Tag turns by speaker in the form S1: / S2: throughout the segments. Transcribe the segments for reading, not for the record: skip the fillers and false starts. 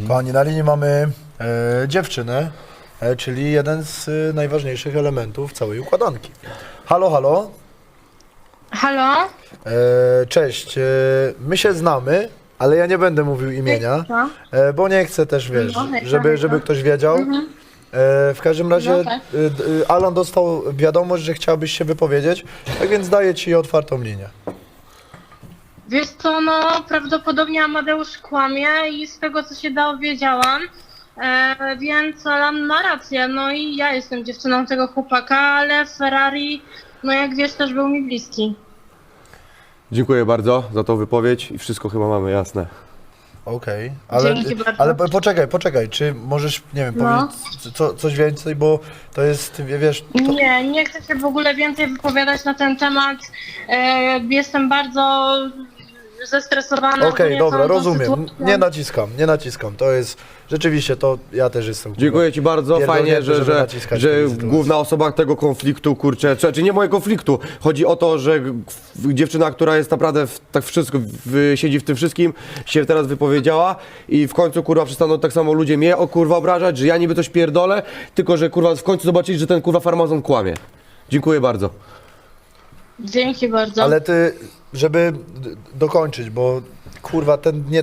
S1: Kochani, na linii mamy dziewczynę, czyli jeden z najważniejszych elementów całej układanki. Halo, halo.
S2: Halo?
S1: Cześć, my się znamy, ale ja nie będę mówił imienia, bo nie chcę też, wiesz, żeby ktoś wiedział. W każdym razie
S2: No tak.
S1: Alan dostał wiadomość, że chciałbyś się wypowiedzieć, tak więc daję ci otwartą linię.
S2: Wiesz co, no prawdopodobnie Amadeusz kłamie i z tego co się dowiedziałam, więc Alan ma rację, no i ja jestem dziewczyną tego chłopaka, ale Ferrari, no jak wiesz, też był mi bliski.
S3: Dziękuję bardzo za tą wypowiedź i wszystko chyba mamy jasne.
S1: Okej,
S2: Dzięki bardzo.
S1: ale poczekaj, czy możesz, nie wiem,
S2: No.
S1: powiedzieć coś więcej, bo to jest, wiesz... To...
S2: Nie chcę się w ogóle więcej wypowiadać na ten temat, jestem bardzo zestresowana.
S1: Okej, dobra,
S2: całą tą
S1: rozumiem.
S2: sytuacją.
S1: Nie naciskam. To jest rzeczywiście to ja też jestem.
S3: Dziękuję Ci bardzo, fajnie,
S1: pierdolnięty, żeby
S3: że
S1: naciskać w tej sytuacji.
S3: główna osoba tego konfliktu, kurczę, czy nie mojego konfliktu, chodzi o to, że dziewczyna, która jest naprawdę tak wszystko, siedzi w tym wszystkim, się teraz wypowiedziała i w końcu kurwa przestaną tak samo ludzie mnie kurwa obrażać, że ja niby coś pierdolę, tylko że kurwa w końcu zobaczyli, że ten kurwa farmazon kłamie. Dziękuję bardzo.
S2: Dzięki bardzo.
S1: Ale ty, żeby dokończyć, bo kurwa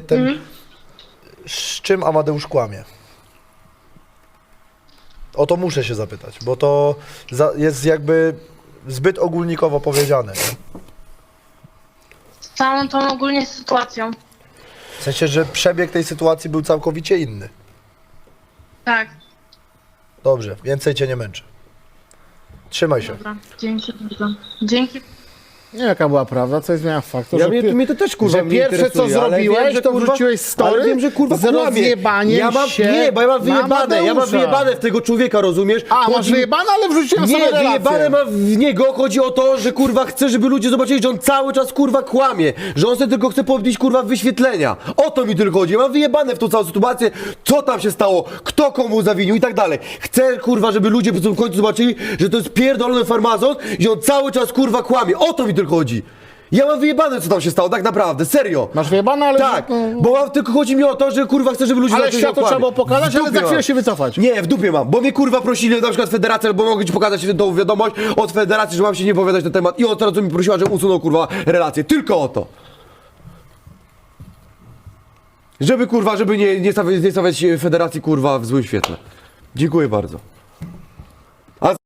S1: z czym Amadeusz kłamie? O to muszę się zapytać, bo to jest jakby zbyt ogólnikowo powiedziane. Nie?
S2: Z całą tą ogólnie sytuacją.
S1: W sensie, że przebieg tej sytuacji był całkowicie inny.
S2: Tak,
S1: Dobrze, więcej cię nie męczę. Trzymaj się.
S2: dobra. Dzięki bardzo. Dzięki.
S4: Nie wiem jaka była prawda, co jest zmiana faktu,
S3: Ja
S4: że,
S3: mnie to też kurwa
S4: że
S3: mnie
S4: pierwsze co
S3: interesuje, ale
S4: zrobiłeś,
S3: wiem, że,
S4: to
S3: kurwa,
S4: wrzuciłeś story
S3: ale wiem, że kurwa
S4: z
S3: kłamie.
S4: rozjebaniem
S3: Ja mam,
S4: się
S3: nie, bo ja mam
S4: na
S3: wyjebane, ja mam
S4: Amadeusza.
S3: wyjebane w tego człowieka, rozumiesz?
S4: A, masz
S3: Chodzi-
S4: wyjebane, ale wrzuciłem sobie
S3: Nie,
S4: relację.
S3: wyjebane mam w niego, chodzi o to, że kurwa chce, żeby ludzie zobaczyli, że on cały czas kurwa kłamie, że on sobie tylko chce podbić kurwa wyświetlenia. O to mi tylko chodzi, ja mam wyjebane w tą całą sytuację, co tam się stało, kto komu zawinił i tak dalej. Chcę kurwa, żeby ludzie w końcu zobaczyli, że to jest pierdolony farmazon i on cały czas kurwa kłamie, o to mi tylko chodzi. Ja mam wyjebane, co tam się stało, tak naprawdę, serio.
S4: Masz wyjebane, ale...
S3: Tak, bo mam, tylko chodzi mi o to, że kurwa chcę, żeby ludzie
S4: Ale
S3: zobaczyli, że
S4: światło
S3: on
S4: trzeba
S3: kłamie.
S4: było pokazać,
S3: W
S4: ale
S3: dupie
S4: za chwilę
S3: mam.
S4: się wycofać.
S3: Nie, w dupie mam, bo mnie kurwa prosili na przykład federacja, albo mogę ci pokazać tą wiadomość od federacji, że mam się nie powiedzieć na temat i on teraz mi prosiła, że usunął kurwa relację, tylko o to. Żeby kurwa, żeby nie stawiać federacji kurwa w złym świetle. Dziękuję bardzo.